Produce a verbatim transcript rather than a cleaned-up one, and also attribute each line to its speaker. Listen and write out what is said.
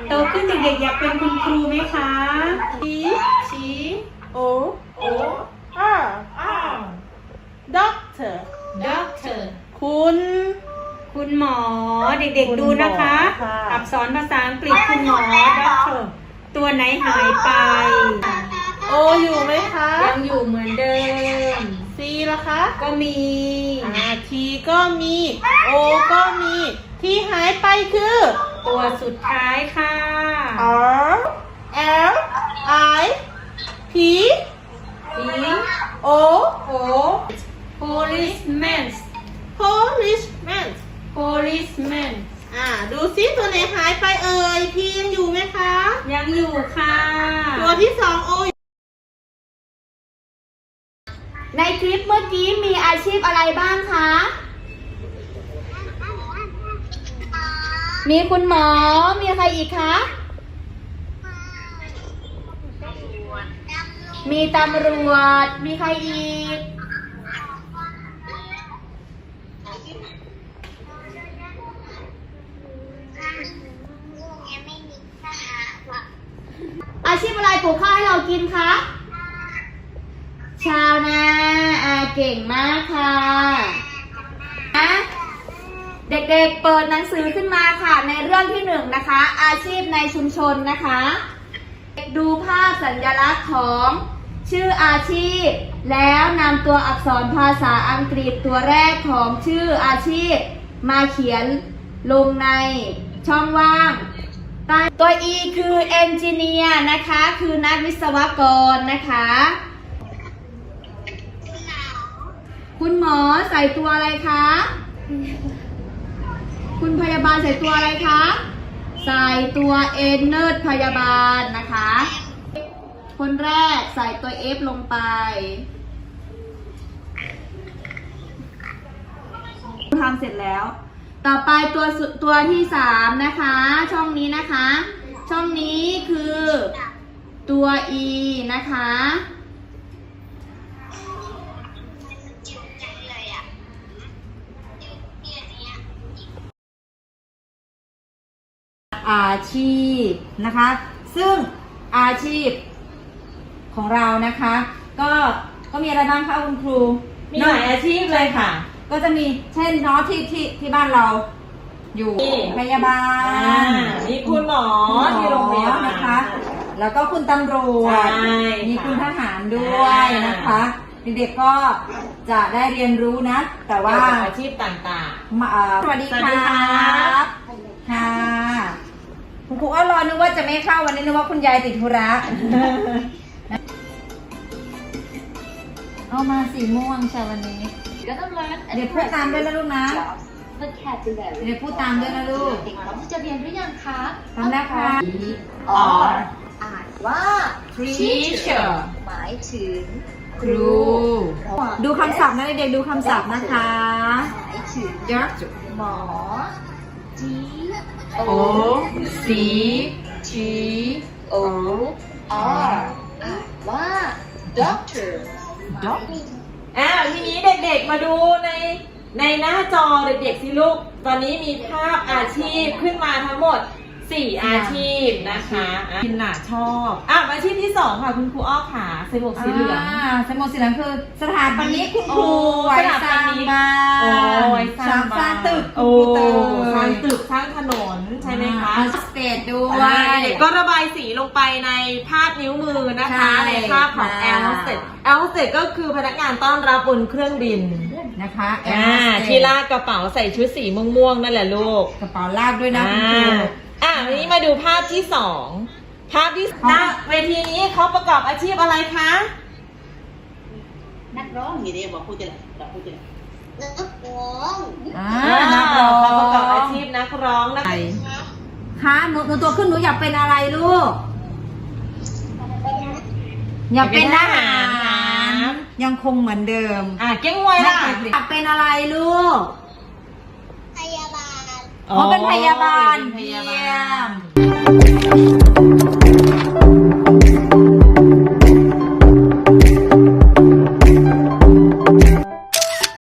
Speaker 1: โตขึ้นเด็กๆอยากเป็นคุณครูไหมคะชี้ชี้
Speaker 2: O
Speaker 1: O
Speaker 2: R
Speaker 1: R
Speaker 2: Doctor
Speaker 1: Doctor
Speaker 2: คุณ
Speaker 1: คุณหมอเด็กๆดูนะคะ
Speaker 2: คุณหมอค่ะ
Speaker 1: อักษรภาษาอังกฤษคุณหมอ Doctor ตัวไหนหายไป
Speaker 2: O อยู่ไหมคะ
Speaker 1: ยังอยู่เหมือนเดิม
Speaker 2: C ล่ะคะ
Speaker 1: ก็มี
Speaker 2: อ่า T ก็มี O ก็มีที่หายไปคือ
Speaker 1: ตัวสุดท้ายค่ะ
Speaker 2: R L I P
Speaker 1: P
Speaker 2: O
Speaker 1: O policeman
Speaker 2: Policeman
Speaker 1: policeman
Speaker 2: อ่าดูซิตัวไหนหายไปเอ่ย P ยังอยู่ไหมคะ
Speaker 1: ยังอยู่ค่ะ
Speaker 2: ตัวที่สอง O
Speaker 3: ในคลิปเมื่อกี้มีอาชีพอะไรบ้างคะ มีคุณหมอ มีใครอีกคะ มีตำรวจ มีใครอีก อาชีพอะไรปลูกข้าวให้เรากินคะ ชาวนาอาเก่งมากค่ะนะเด็กๆเปิดหนังสือขึ้นมาค่ะในเรื่องที่หนึ่งนะคะ อาชีพในชุมชนนะคะ ดูภาพสัญลักษณ์ของชื่ออาชีพ แล้วนำตัวอักษรภาษาอังกฤษตัวแรกของชื่ออาชีพ มาเขียนลงในช่องว่างตัว E คือ engineer นะคะคือนักวิศวกรนะคะ คุณหมอใส่ตัวอะไรคะ คุณพยาบาลใส่ตัวอะไรคะ ใส่ตัว N เนิร์ดพยาบาลนะคะ คนแรกใส่ตัว F ลงไปทำเสร็จแล้ว ต่อไปตัวตัวที่สามนะคะ ช่องนี้นะคะ ช่องนี้คือตัว E นะคะ
Speaker 4: อาชีพนะคะ ซึ่งอาชีพของเรานะคะ ก็ก็มีอะไรบ้างคะคุณครู
Speaker 1: มีหลายอาชีพเลยค่ะ
Speaker 4: ก็จะมีเช่นเนาะที่ที่ที่บ้านเราอยู่
Speaker 1: นี่
Speaker 4: พยาบาล
Speaker 1: มีคุณหมอ
Speaker 4: คุณหมอ
Speaker 1: ที่โรงพยาบาล
Speaker 4: นะคะ แล้วก็คุณตำรวจ
Speaker 1: ใช่
Speaker 4: มี
Speaker 1: ค่ะ
Speaker 4: คุณทหารด้วยนะคะเด็กๆก็จะได้เรียนรู้นะ แต่ว่า
Speaker 1: อาชีพต่าง
Speaker 4: มาเอ่อสวัสดี
Speaker 1: สวัส
Speaker 4: ค
Speaker 1: ดี
Speaker 4: รั
Speaker 1: ครับ
Speaker 4: ค่ะคุณครูอ้อรอนึกว่าจะไม่เข้าวันนี้นึกว่าคุณยายติดธุระ เอามาสีม่วงใช่วันนี้
Speaker 3: Gonna learn
Speaker 4: เดี๋ยวพูดตามด้วยนะลูกนะ
Speaker 3: vocabulary
Speaker 4: เดี๋ยวพูดตามด้วยนะลูก
Speaker 3: เด็กพร้อมที่จะเรียนหรือยังคะ
Speaker 4: ตามแล้วค่ะ
Speaker 3: R อ่านว่า
Speaker 1: teacher
Speaker 3: หมายถึง
Speaker 4: ครู ดูคำศัพท์นะเด็กๆดูคำศัพท์นะคะ
Speaker 3: หมายถึง
Speaker 4: doctor
Speaker 3: หมอ D
Speaker 4: O C T
Speaker 3: O R อ่านว่า doctor
Speaker 4: doctor
Speaker 1: ๆอ่าทีนี้เด็กๆมาดูในในหน้าจอเด็กๆสิลูก ตอนนี้มีภาพอาชีพขึ้นมาทั้งหมดสี่อาชีพนะคะพินน่ะชอบอ่ะอาชีพที่สองค่ะคุณครูอ้อขาใส่หมวกสีเหลือง
Speaker 4: อ่าสมุดสีเหลืองคือสถาปนิกคุณครู
Speaker 1: โอ้
Speaker 4: ไว้
Speaker 1: สถา
Speaker 4: ส
Speaker 1: ป
Speaker 4: ร้าง
Speaker 1: นิก
Speaker 4: บ้าน
Speaker 1: โอ้ยส
Speaker 4: ส
Speaker 1: ร้า
Speaker 4: ร้าง ง
Speaker 1: บ้าน
Speaker 4: ตึก
Speaker 1: โอ้
Speaker 4: คุณครูเตย
Speaker 1: สร้างตึกสร้างถนนใช่ไหมคะ
Speaker 4: อ่าสเตจด้วย
Speaker 1: เด็กก็ระบายสีลงไปในภาพนิ้วมือนะคะ
Speaker 4: ใช่
Speaker 1: ในภาพของ
Speaker 4: ค่ะ
Speaker 1: แอร์โฮสเตสแอร์โฮสเตสก็คือพนักงานต้อนรับบนเครื่องบิน
Speaker 4: นะคะ
Speaker 1: อ่า
Speaker 4: Air Hostess
Speaker 1: ที่ลากกระเป๋าใส่ชุดสีม่วงๆนั่นแหละลูก
Speaker 4: กระเป๋าลากด้วยนะ
Speaker 1: อ่า
Speaker 4: คุณครู
Speaker 1: อ่าวันนี้มาดูภาพที่สองภาพที่หน้าเวทีนี้เขาประกอบอาชีพอะไรคะ
Speaker 5: นักร้องนี่เดียวบอกพูดจะบอกพูดจะนักร้อง
Speaker 4: อ่า
Speaker 1: อ่า
Speaker 4: นักร้อง
Speaker 1: เขาประกอบอาชีพนักร้องนะคะ
Speaker 4: คะหนูหนูตัวขึ้นหนูอยากเป็นอะไรลูก อยากเป็นทหาร ยังคงเหมือนเดิม
Speaker 1: อ่าเก้งไวยล่ะ
Speaker 4: อยากเป็นอะไรลูก
Speaker 5: พยาบาล
Speaker 4: อ๋อเป็นพยาบาล
Speaker 1: เป็นพยาบา
Speaker 4: เยี่ย
Speaker 1: ล
Speaker 4: ม